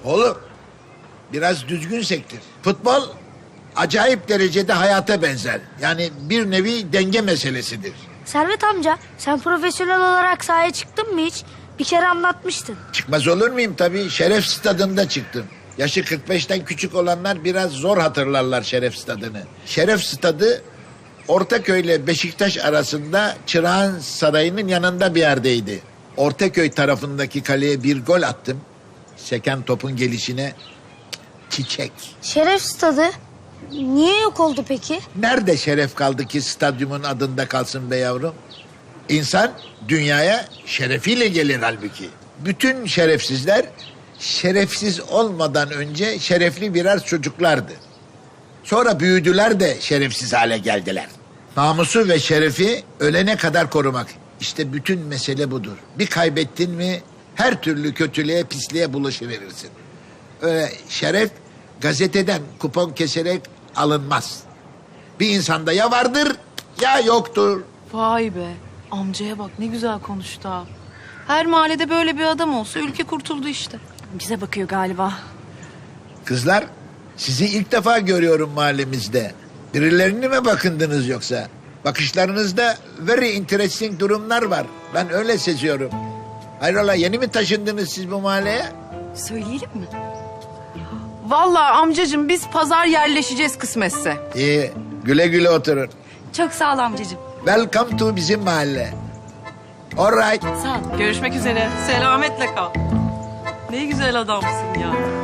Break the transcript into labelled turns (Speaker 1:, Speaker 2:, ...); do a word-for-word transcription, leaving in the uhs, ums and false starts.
Speaker 1: Oğlum biraz düzgün sektir. Futbol acayip derecede hayata benzer. Yani bir nevi denge meselesidir.
Speaker 2: Servet amca, sen profesyonel olarak sahaya çıktın mı hiç? Bir kere anlatmıştın.
Speaker 1: Çıkmaz olur muyum tabii. Şeref Stadı'nda çıktım. Yaşı kırk beşten küçük olanlar biraz zor hatırlarlar Şeref Stadı'nı. Şeref Stadı Ortaköy ile Beşiktaş arasında Çırağan Sarayı'nın yanında bir yerdeydi. Ortaköy tarafındaki kaleye bir gol attım. Seken topun gelişine çiçek.
Speaker 2: Şeref stadı niye yok oldu peki?
Speaker 1: Nerede şeref kaldı ki stadyumun adında kalsın be yavrum? İnsan dünyaya şerefiyle gelir halbuki. Bütün şerefsizler şerefsiz olmadan önce şerefli birer çocuklardı. Sonra büyüdüler de şerefsiz hale geldiler. Namusu ve şerefi ölene kadar korumak. İşte bütün mesele budur. Bir kaybettin mi her türlü kötülüğe, pisliğe bulaşıverirsin. Öyle şeref gazeteden kupon keserek alınmaz. Bir insanda ya vardır ya yoktur.
Speaker 3: Vay be. Amcaya bak ne güzel konuştu ha. Her mahallede böyle bir adam olsa ülke kurtuldu işte.
Speaker 4: Bize bakıyor galiba.
Speaker 1: Kızlar, sizi ilk defa görüyorum mahallemizde. Birilerini mi bakındınız yoksa? Bakışlarınızda very interesting durumlar var. Ben öyle seziyorum. Hayrola yeni mi taşındınız siz bu mahalleye?
Speaker 4: Söyleyelim mi?
Speaker 3: Vallahi amcacığım biz pazar yerleşeceğiz kısmetse.
Speaker 1: İyi, güle güle oturun.
Speaker 4: Çok sağ ol amcacığım.
Speaker 1: Welcome to bizim mahalle. All right.
Speaker 4: Sağ ol.
Speaker 3: Görüşmek üzere. Selametle kal. Ne güzel adamsın ya.